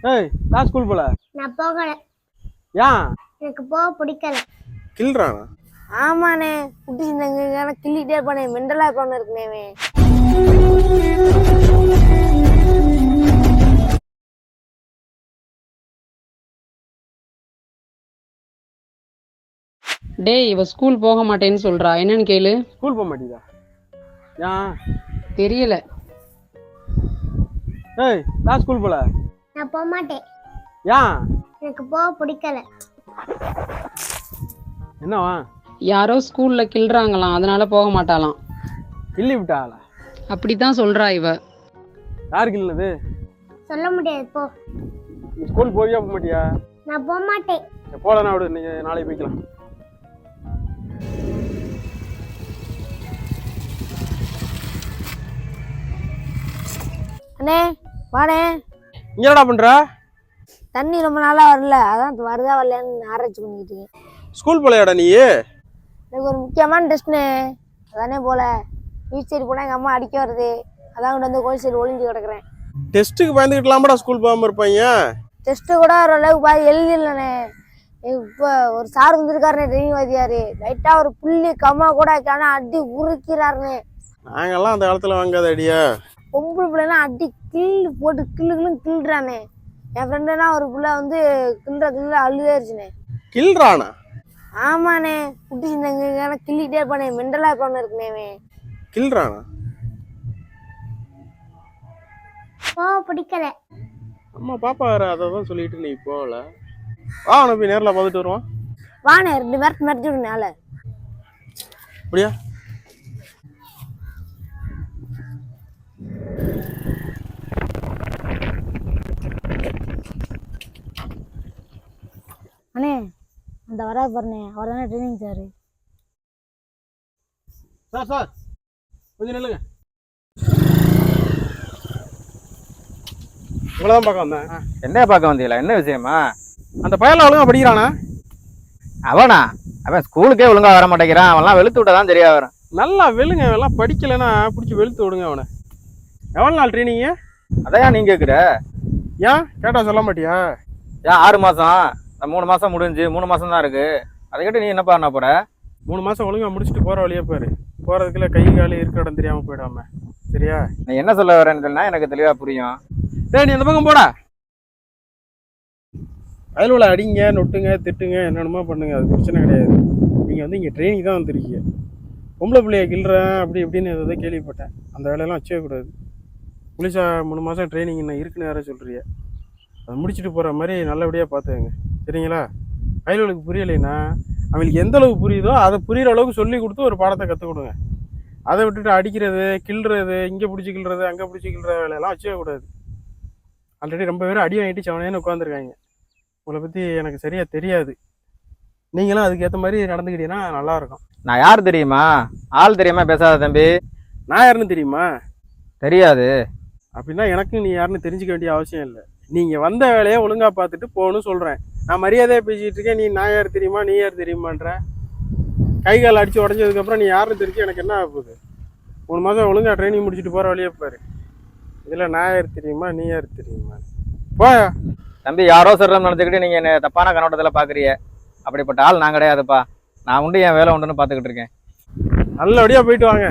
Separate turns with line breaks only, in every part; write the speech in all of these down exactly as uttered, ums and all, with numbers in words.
ஏய் நான் ஸ்கூல் போல.
நான் போகல.
ஏன்?
எனக்கு போக பிடிக்கல.
கில்றானா?
ஆமாண்ணே, குட்டி சின்னங்க கிள்ளிட்டே இருப்பானே, மெண்டலா இருப்பானு இருக்குனேவே.
டேய், இவ ஸ்கூல் போக மாட்டேன்னு சொல்றா, என்னன்னு கேளு.
ஸ்கூல் போக மாட்டீதா? ஏன்
தெரியல.
ஏய் நான் ஸ்கூல் போல.
நான் போக மாட்டேன்.
ஏன்?
எனக்கு போக பிடிக்கல.
என்னவா?
யாரோ ஸ்கூல்ல கிள்றாங்களாம், அதனால போக மாட்டாளாம்.
கிள்ளி விட்டாளா?
அப்படித்தான் சொல்றா இவ.
யாரு கிள்னது?
சொல்ல முடியாது, போ.
நீ ஸ்கூல் போவியா போக மாட்டியா?
நான் போக மாட்டேன்.
போலனா விடு, நீங்க நாளைக்கு போய்க்கலாம்.
அண்ணே வாடே.
இங்க என்னடா பண்ற?
தண்ணி ரொம்ப நாளா வரல, அதான் வருதா வரலன்னு ஆராய்ச்சி பண்ணிக்கிட்டு இருக்கேன்.
ஸ்கூல் போலையாடா நீ?
எனக்கு ஒரு முக்கியமான டெஸ்ட்னு, அதானே போல. பீச் சைடு போனால் எங்கள் அம்மா அடிக்க வருது, அதான் கொண்டு வந்து கோயில் சைடு ஒளிஞ்சு கிடக்குறேன்.
டெஸ்ட்டுக்கு பயந்துக்கிட்டலாமாடா ஸ்கூல் போகாம இருப்பாங்க?
டெஸ்ட்டு கூட ஓரளவுக்கு பாதி எழுதிடலண்ணே. இப்போ ஒரு சார் வந்துருக்காருண்ணே, ட்ரைனிங் வாத்தியாரு. லைட்டாக ஒரு புள்ளி கம்மா கூட ஆனால் அடி உருக்கிறாருண்ணே.
நாங்கெல்லாம் அந்த காலத்தில் வாங்காத அடியா.
பொம்பளை பிள்ளைலாம் அடி கிள்ளு போட்டு கிள்ளு கிள்ளு கிள்றானே. என் ஃப்ரெண்டுனா ஒரு பிள்ளை வந்து கிள்ற கிள்ள அழுதாயிருச்சுண்ணே.
கில்றானா?
ஆமாண்ணே, குட்டி சின்னங்க கிள்ளிட்டே இருப்பானே, மெண்டலா இருப்பானு இருக்குனேவே.
கில்றானா?
போக பிடிக்கல.
அம்மா பாப்பா வேற அதை தான் சொல்லிட்டு நீ போகல. வா அவனை போய் நேரில் பார்த்துட்டு வருவான்.
வாண்ணே, ரெண்டு மிரட்டு மிரட்டி விடுனால.
அப்படியா?
அண்ணே அந்த வராது பாருண்ணே, அவர் தானே ட்ரைனிங் சார்.
சார் சார் கொஞ்சம் நில்லுங்க. இவ்வளோதான் பார்க்க வந்தேன்.
என்ன பார்க்க வந்தீங்களா? என்ன விஷயமா?
அந்த பையன் ஒழுங்கா படிக்கிறானா?
அவனா? அவன் ஸ்கூலுக்கே ஒழுங்கா வர மாட்டேங்கிறான். அவன்லாம் வெளுத்து விட்டா தான் தெரியா வரும்.
நல்லா வெளுங்க, எல்லாம் படிக்கலைன்னா பிடிச்சி வெளுத்து விடுங்க அவனை. எவ்வளோ நாள் ட்ரைனிங்கு?
அதையா நீ கேட்குற?
ஏன் கேட்டா சொல்ல மாட்டியா?
ஏன் ஆறு மாதம் மூணு மாதம் முடிஞ்சு மூணு மாதம் தான் இருக்கு. அதை கேட்டு நீ என்னப்பா பண்ண போற?
மூணு மாதம் ஒழுங்கா முடிச்சுட்டு போகிற வழியே பாரு. போகிறதுக்குள்ள கை காலி இருக்கிற இடம் தெரியாமல் போயிடாம. சரியா?
நீ என்ன சொல்ல வரேன்னு சொன்னா எனக்கு தெளிவாக புரியும்.
டேய் நீ அந்த பக்கம் போடா. அதில் உள்ள அடிங்க நொட்டுங்க திட்டுங்க என்னென்னமோ பண்ணுங்க, அது பிரச்சனை கிடையாது. நீங்கள் வந்து இங்கே ட்ரைனிங் தான் வந்துருக்கீங்க. பொம்பளை பிள்ளைய கிள்றேன் அப்படி இப்படின்னு எதாவது கேள்விப்பட்டேன். அந்த வேலையெல்லாம் வச்சே கூடாது. புலிசா மூணு மாதம் ட்ரைனிங் இன்னும் இருக்குன்னு வேற சொல்கிறிய. அதை முடிச்சுட்டு போகிற மாதிரி நல்லபடியாக பார்த்துக்கங்க. சரிங்களா? வயலுக்கு புரியலைன்னா அவங்களுக்கு எந்த அளவுக்கு புரியுதோ அதை புரிகிற அளவுக்கு சொல்லி கொடுத்து ஒரு பாடத்தை கற்றுக் கொடுங்க. அதை விட்டுட்டு அடிக்கிறது கிள்றது, இங்கே பிடிச்சி கிள்றது அங்கே பிடிச்சி கிள்ற வேலையெல்லாம் வச்சே கூடாது. ஆல்ரெடி ரொம்ப பேர் அடி வாங்கிட்டு சவனேன்னு உட்காந்துருக்காங்க. உங்களை பற்றி எனக்கு சரியாக தெரியாது. நீங்களும் அதுக்கேற்ற மாதிரி நடந்துக்கிட்டீங்கன்னா நல்லாயிருக்கும்.
நான் யார் தெரியுமா? ஆள் தெரியாம பேசாத தம்பி.
நான் யாருன்னு தெரியுமா?
தெரியாது.
அப்படின்னா எனக்கும் நீ யாருன்னு தெரிஞ்சுக்க வேண்டிய அவசியம் இல்லை. நீங்கள் வந்த வேலையை ஒழுங்காக பார்த்துட்டு போகணும்னு சொல்கிறேன். நான் மரியாதையாக பேசிகிட்டு இருக்கேன். நீ நான் யார் தெரியுமா நீ யார் தெரியுமான்ற கை கால் அடித்து உடஞ்சதுக்கப்புறம் நீ யாருன்னு தெரிஞ்சு எனக்கு என்ன ஆகுது? மூணு மாதம் ஒழுங்காக ட்ரைனிங் முடிச்சுட்டு போகிற வழியே பாரு. இதில் நான் யார் தெரியுமா நீ யார் தெரியுமா? போயா
தம்பி, யாரோ சொல்கிறோம் நினச்சிக்கிட்டு நீங்கள் என்ன தப்பான கண்ணோட்டத்தில் பார்க்குறீங்க. அப்படிப்பட்ட ஆள் நான் கிடையாதுப்பா. நான் உண்டு என் வேலை உண்டுன்னு பார்த்துக்கிட்டு இருக்கேன்.
நல்லபடியாக போயிட்டு வாங்க.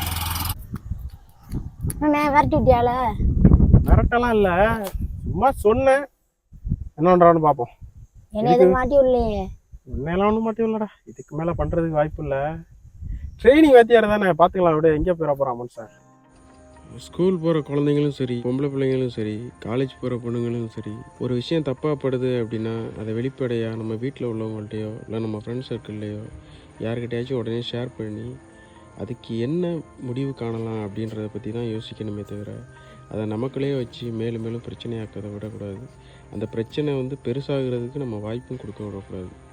அண்ணே விரட்டி விட்டியால?
மிரட்டெல்லாம் இல்லை, சும்மா சொன்னேன். என்ன பண்ணுறான்னு பார்ப்போம்.
என்ன எதுவும் மாட்டி விடலையே?
உன்னையெல்லாம் ஒன்றும் மாட்டி இல்லைடா. இதுக்கு மேலே பண்ணுறதுக்கு வாய்ப்பு இல்லை. ட்ரைனிங் வாத்தியார் தானே, பார்த்துக்கலாம். விட எங்கே போயிட போகிறான் மனுஷன். ஸ்கூல் போகிற குழந்தைங்களும் சரி, பொம்பளை பிள்ளைங்களும் சரி, காலேஜ் போகிற பொண்ணுங்களும் சரி, ஒரு விஷயம் தப்பாக படுது அப்படின்னா அதை வெளிப்படையாக நம்ம வீட்டில் உள்ளவங்கள்ட்டையோ இல்லை நம்ம ஃப்ரெண்ட் சர்க்கிள்லையோ யார்கிட்டயாச்சும் உடனே ஷேர் பண்ணி அதுக்கு என்ன முடிவு காணலாம் அப்படின்றத பற்றி தான் யோசிக்கணுமே தவிர அதை நமக்குள்ளே வச்சு மேலும் மேலும் பிரச்சனையாக்கதை விடக்கூடாது. அந்த பிரச்சனை வந்து பெருசாகிறதுக்கு நம்ம வாய்ப்பும் கொடுக்க விடக்கூடாது.